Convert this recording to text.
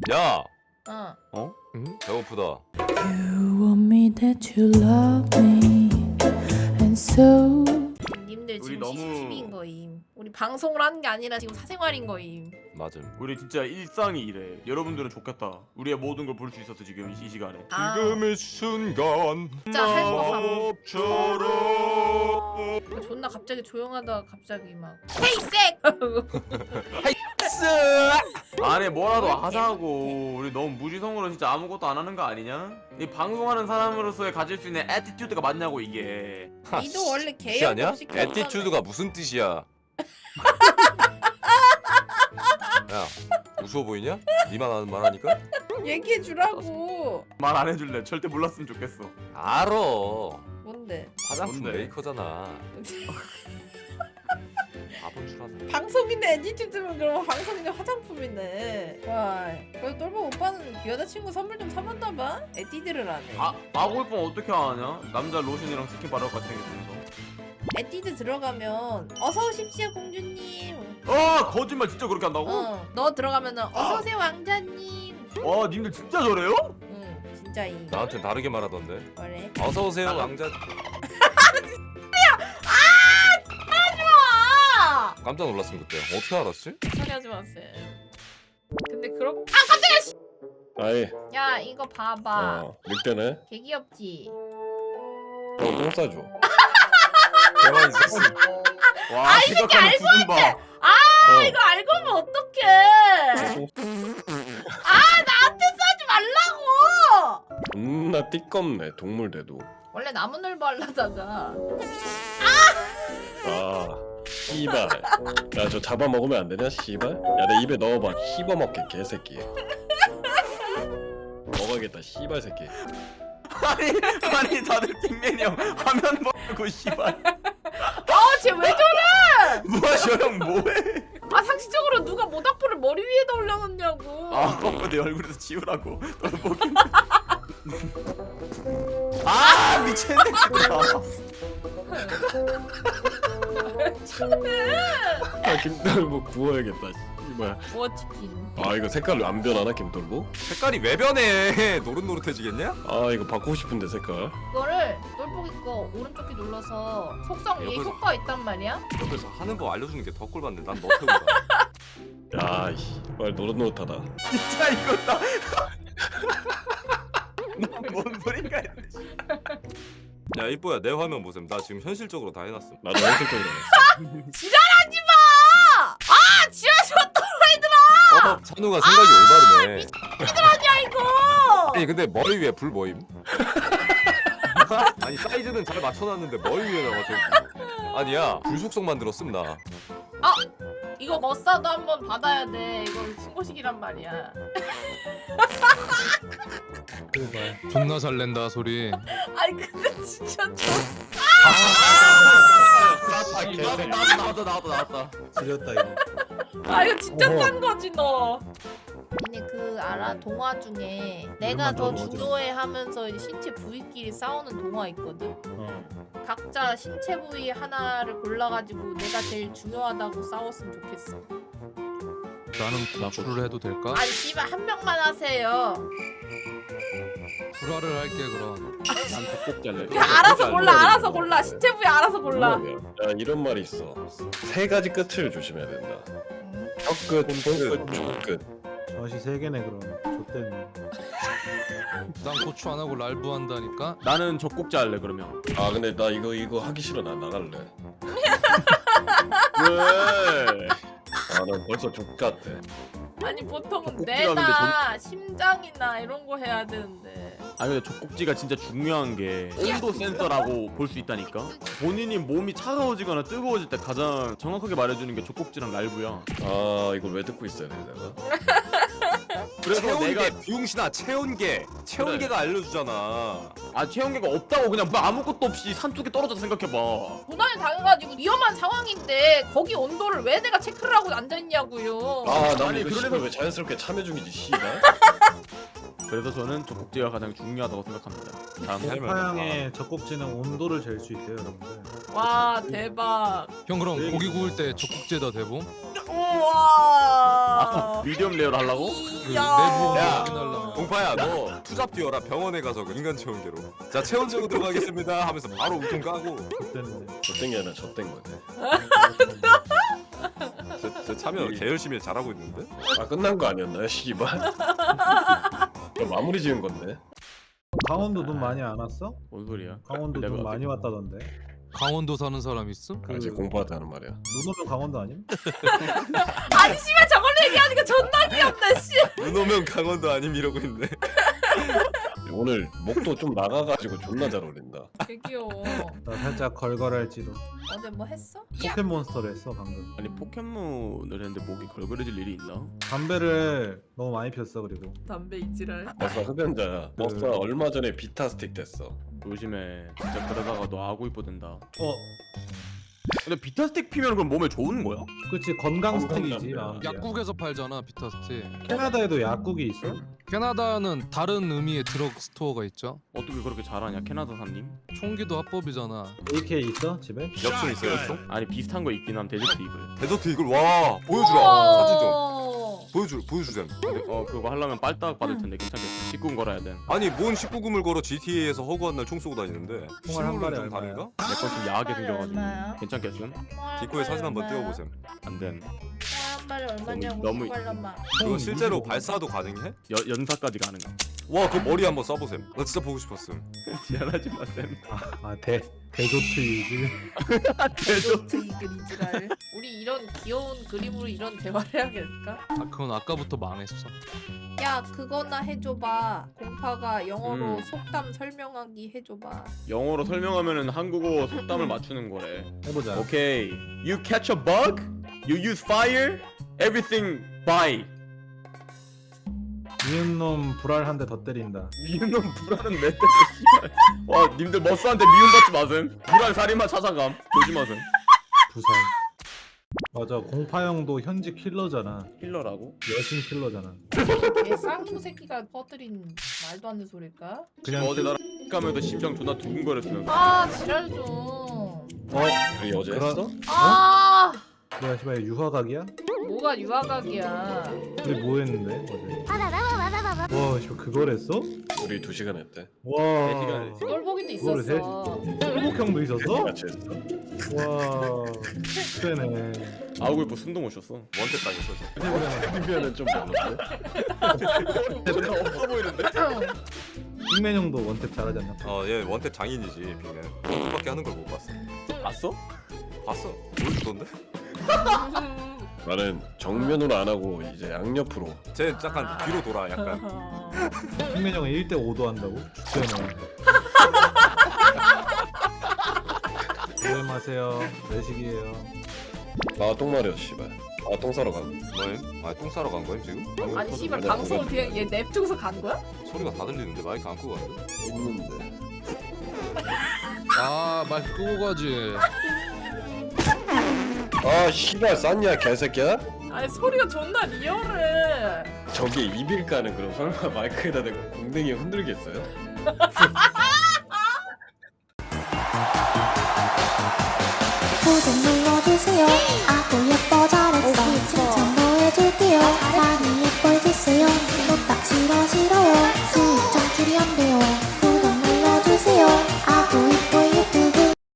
야, 어. 배고프다. You want me that you love me and so 님들 우리 지금 너무- 시시인 거임. 우리 방송을 하는 게 아니라 지금 사생활인 거임. 맞음. 우리 진짜 일상이 이래. 여러분들은 좋겠다. 우리의 모든 걸 볼 수 있었어 지금 이 시간에. 아. 지금의 순간 진짜 할거 마법처럼. 존나 갑자기 조용하다가 갑자기 막 헤이색! 안에 뭐라도 하자고. 우리 너무 무지성으로 진짜 아무것도 안 하는 거 아니냐? 이 방송하는 사람으로서의 가질 수 있는 애티튜드가 맞냐고 이게. 니도 원래 뜻이 아니야? 개형 애티튜드가 무슨 뜻이야? 야, 우스워 보이냐? 니만 아는 말하니까? 얘기해 주라고. 말 안 해줄래. 절대 몰랐으면 좋겠어. 알아. 뭔데? 화장품 뭔데? 메이커잖아. 바본 줄 아네. 방송인의 애니튜드면 그럼 방송인의 화장품이네. 와, 그래도 똘보 오빠는 여자친구 선물 좀 사봤나 봐? 에뛰드를 하네. 아 마골뽕 어떻게 하냐? 남자 로션이랑 스킨 바를 것 같은 게 생겨서. 에뛰드 들어가면 어서 오십시오 공주님. 거짓말 진짜 그렇게 한다고? 너 들어가면은 어서 오세요 왕자님. 와 님들 진짜 저래요? 응, 진짜이. 나한테 다르게 말하던데. 뭐래? 어서 오세요, 나가- 왕자. 아! 깜짝 놀랐음 그때. 어떻게 알았지? 소리 하지 마세요. 근데 그럼 아이 야 이거 봐봐. 늑대네. 개 귀엽지? 똥 싸줘. 대만 있었어. 와 생각하는 부분 봐. 이거 알고 보면 어떡해? 나한테 싸지 말라고. 존나 띠껍네 동물대도. 원래 나무늘보 하려다가 씨발. 야 저 잡아먹으면 안 되냐 씨발? 야 내 입에 넣어봐. 씹어먹게 개새끼. 먹어야겠다 씨발 새끼. 아니 다들 빅맨이 형 화면 보고 씨발 쟤왜 저래? 뭐야 저 형 뭐해? 상식적으로 누가 모닥불을 머리 위에다 올려놓냐고. 내 얼굴에서 지우라고 보기. 미쳤네. 김돌보 구워야겠다. 씨발. 구워치킨. 이거 색깔 안 변하나 김돌보? 색깔이 왜 변해? 노릇노릇해지겠냐? 이거 바꾸고 싶은데 색깔. 이거를 똘보기 거 오른쪽 키 눌러서 속성 위에 옆에서- 효과가 있단 말이야. 옆에서 하는 법 알려주는 게 더 꼴받네. 난 너 태우다. 야 씨발 노릇노릇하다. 진짜 이거다. 뭔 소린가 했네. 야 이뻐야 내 화면 보셈. 나 지금 현실적으로 다 해놨음. 나도 현실적으로 해. 지랄하지 마! 지랄하지 마 또라이들아! 찬우가 생각이 올바르네. 야 이거! 아니 근데 머리 위에 불 모임? 아니 사이즈는 잘 맞춰놨는데 머리 위에다가 저 아니야 불 속성 만들었음 나. 이거 머싸도 한번 받아야 돼. 이거 신고식이란 말이야. 존나 잘 낸다 소리. 아니 근데 진짜 나왔다. 지렸다 이거. 이거 진짜 싼 거지 너. 니네 그 알아? 동화 중에 내가 더 중요해 하면서 이제 신체 부위끼리 싸우는 동화 있거든? 각자 신체 부위 하나를 골라가지고 내가 제일 중요하다고 싸웠으면 좋겠어. 나는 구출을 해도 될까? 아니 씨발 한 명만 하세요. 불화를 할게 그럼. 난 젖꼭지 할래. 야 알아서 골라 알아서 골라 신체 부위 알아서 골라. 야 이런 말이 있어. 세 가지 끝을 조심해야 된다. 혀끝, 손끝, 족끝. 젖이 세 개네 그럼. 좆대네. 난 고추 안 하고 랄부 한다니까. 나는 젖꼭지 할래 그러면. 근데 나 이거 하기 싫어. 나 나갈래. 왜? 난 벌써 족 같아. 아니 보통은 젖꼭지가 뇌나 심장이나 이런 거 해야 되는데. 아니 근데 젖꼭지가 진짜 중요한 게 온도 센서라고 볼 수 있다니까. 본인이 몸이 차가워지거나 뜨거워질 때 가장 정확하게 말해주는 게 젖꼭지랑 랄부야. 이걸 왜 듣고 있어야 돼 내가? 그래서 체온계 내가 비용신아 체온계가 알려주잖아. 체온계가 없다고 그냥 뭐 아무것도 없이 산속에 떨어져서 생각해봐. 고난이 당해가지고 위험한 상황인데 거기 온도를 왜 내가 체크를 하고 앉아있냐고요. 난 아니, 이거 그러려면- 씨발 왜 자연스럽게 참여 중이지 씨발. 그래서 저는 젖꼭지가 가장 중요하다고 생각합니다. 다음 네. 파양의 젖꼭지는 온도를 잴 수 있대요 여러분들. 와 대박. 형 그럼 고기 구울 때 젖꼭지에다 대봄? 와. 미디엄 레어를 하려고? 그 야. 내부 야. 확인하려면 공파야 너 투잡 뛰어라 병원에 가서 그 인간 체온계로 자 체온 재고 들어가겠습니다 하면서 바로 우통 까고 좆됐네. 좆된 게 아니라 좆된 거네. 저 참여 개 열심히 잘하고 있는데 아 끝난 거 아니었나요, 씨발? 마무리 지은 건데. 강원도 눈 많이 안 왔어? 뭔 소리야? 강원도 눈 내가 많이 왔다던데. 강원도 사는 사람 있음? 아직 공부하다 하는 말이야. 눈 오면 강원도 아님? 아니 씨발 저걸 얘기하니까 존나 귀엽네 씨. 눈 오면 강원도 아님 이러고 있네 오늘 목도 좀 나가가지고 존나 잘 어울린다. 개 귀여워. 나 살짝 걸걸할지도. 어제 뭐 했어? 포켓몬스터를 했어 방금. 아니 포켓몬을 했는데 목이 걸걸해질 일이 있나? 담배를 너무 많이 피웠어 그리고. 담배 이지랄. 머싸 흡연자야. 머싸 얼마 전에 비타 스틱 됐어. 조심해. 진짜 그러다가 너 아구 이뻐 된다. 어, 근데 비타 스틱 피면 그럼 몸에 좋은 거야? 그렇지 건강 스틱이지. 담배야. 마음이야. 약국에서 팔잖아 비타스틱. 캐나다에도 약국이 있어? 캐나다는 다른 의미의 드럭 스토어가 있죠. 어떻게 그렇게 잘하냐 캐나다 사님? 총기도 합법이잖아. AK 있어 집에? 엽순 있어요 엽순? 아니 비슷한 거 있긴 함 데저트 이글. 데저트 이걸 와 보여주라 사진 좀 보여주셈 그거 하려면 빨딱 받을 텐데 괜찮겠어. 19금 걸어야 돼. 아니 뭔 19금을 걸어 GTA에서 허구한 날 총 쏘고 다니는데 총알 한 발에 좀 얼마야? 다른가? 내 건 좀 야하게 생겨가지고. 얼마야? 괜찮겠음? 디코에 사진 한번 띄워보셈 안 된. 한 발에 얼마냐고 너무- 말란마. 그거 실제로 발사도 가능해? 연사까지 가능함. 와 그 머리 한번 써보셈 나 진짜 보고 싶었음 지랄하지 마 쌤. 대조트 유지. 데저트 이글 이지랄. 우리 이런 귀여운 그림으로 이런 대화를 해야겠을까? 아 그건 아까부터 망했어. 야 그거나 해줘봐. 공파가 영어로 음. 속담 설명하기 해줘봐. 영어로 설명하면은 한국어 속담을 맞추는 거래. 해보자. 오케이. You catch a bug, you use fire, everything by. 미운 놈 불알 한 대 더 때린다. 미운놈 불안은 몇 대지 씨발. 와 님들 머스한테 미움받지 마셈. 불안 살인마 찾아감. 조심하셈. 부산. 맞아 공파형도 현직 킬러잖아. 힐러라고? 여신 킬러잖아. 걔 쌍놈 새끼가 퍼뜨린 말도 안 되는 소릴까? 그냥 어제 나랑 가면서 심장 존나 두근거렸으면서. 아 지랄 좀. 우리 어제 그런- 했어? 아 뭐야 씨발 유화각이야? 뭐가 유아각이야. 우리 뭐 했는데 어제? 와 씨발 그걸 했어? 우리 2시간 했대. 와. 시간을 똘보기도 그거를 있었어. 회복형도 있었어? 같이 했어? 와. 세네. 아우고 숨도 못 쉬었어. 원태 땅에서 흡연은 좀 별로인데? 존나 없어 보이는데? 빅맨형도 원탭 잘하지 않나? 어얘 원태 장인이지 빅맨 원태밖에 하는 걸 못 봤어 봤어? 봤어? 보여주던데? 나는 정면으로 안 하고 이제 양옆으로. 쟤 약간 뒤로 돌아 약간 빅맨형은 1대5도 한다고? 죽여네. 조심하세요. 내식이에요. 아 똥 마려 씨발. 아 똥 싸러 간. 뭐임? 아똥 싸러 간 거임 지금? 아니 씨발 아니야, 방송을 그건- 그냥 얘 냅두고서 간 거야? 소리가 다 들리는데 마이크 안 끄고 가는데? 없는데. 아 말 끄고 가지. 아 씨발 쌌냐 개새끼야? 아니 소리가 존나 리얼해. 저게 입일까는 그럼 설마 마이크에다 대고 공댕이 흔들겠어요? 구독 눌러주세요. 아구 예뻐 잘했어. 칭찬도 해줄게요. 많이 예뻐해주세요. 또딱 싫어요. 수익 창출이 안 돼요.